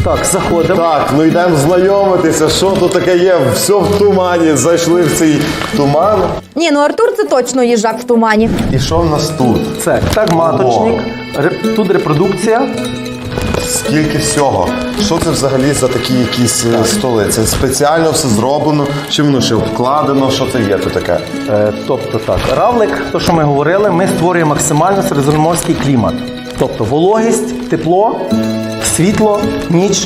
Так, заходимо. Так, ну йдемо знайомитися, що тут таке є. Все в тумані, зайшли в цей туман. Ні, ну Артур це точно їжак в тумані. І що в нас тут? Це маточник, тут репродукція. Скільки всього? Що це взагалі за такі якісь столи? Це спеціально все зроблено? Чи воно ще обкладено? Що це є тут таке? Тобто так, равлик, то що ми говорили, ми створюємо максимально середземноморський клімат. Тобто вологість, тепло, світло, ніч.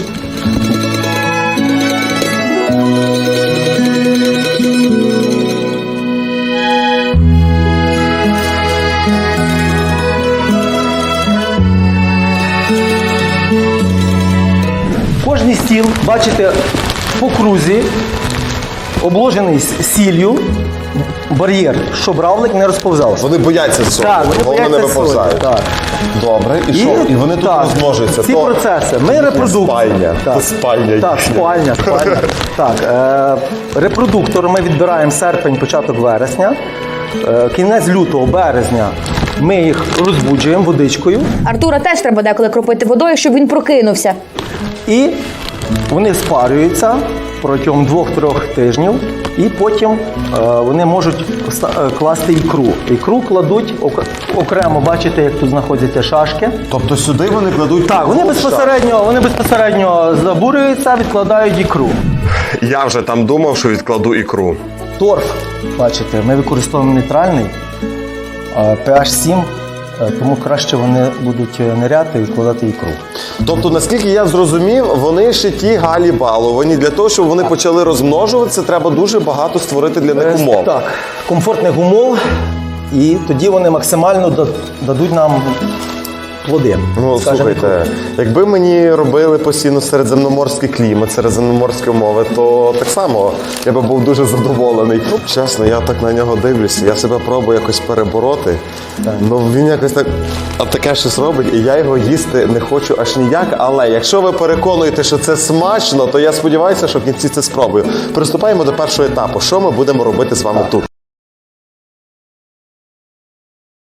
Кожний стіл, бачите, по крузі, обложений сіллю, бар'єр, щоб равлик не розповзався. Вони бояться цього, Так, вони головне не бояться виповзають. солі, так. Добре, і що? І вони тут так, розмножуються. Ці То- процеси. Ми репродуктор. Спальня. Так. То спальня Так, їхня. спальня. Так, репродуктор ми відбираємо серпень, початок вересня. Кінець лютого, березня ми їх розбуджуємо водичкою. Артура теж треба деколи кропити водою, щоб він прокинувся. І вони спарюються протягом 2-3 тижнів, і потім вони можуть класти ікру. Ікру кладуть окремо, бачите, як тут знаходяться шашки. Тобто сюди вони кладуть... Так, вони безпосередньо забурюються, відкладають ікру. Я вже там думав, що відкладу ікру. Торф, бачите, ми використовуємо нейтральний, pH 7, тому краще вони будуть ниряти і відкладати ікру. Тобто, наскільки я зрозумів, вони ще ті галі баловані. Для того, щоб вони почали розмножуватися, треба дуже багато створити для них умов. Так, комфортних умов, і тоді вони максимально дадуть нам плоди. Ну, скажімо так. слухайте, якби мені робили постійно середземноморський клімат, середземноморські умови, то так само я би був дуже задоволений. Ну, чесно, я так на нього дивлюся, я себе пробую якось перебороти. Ну, він якось так таке щось робить, і я його їсти не хочу аж ніяк. Але якщо ви переконуєте, що це смачно, то я сподіваюся, що в кінці це спробую. Приступаємо до першого етапу. Що ми будемо робити з вами тут?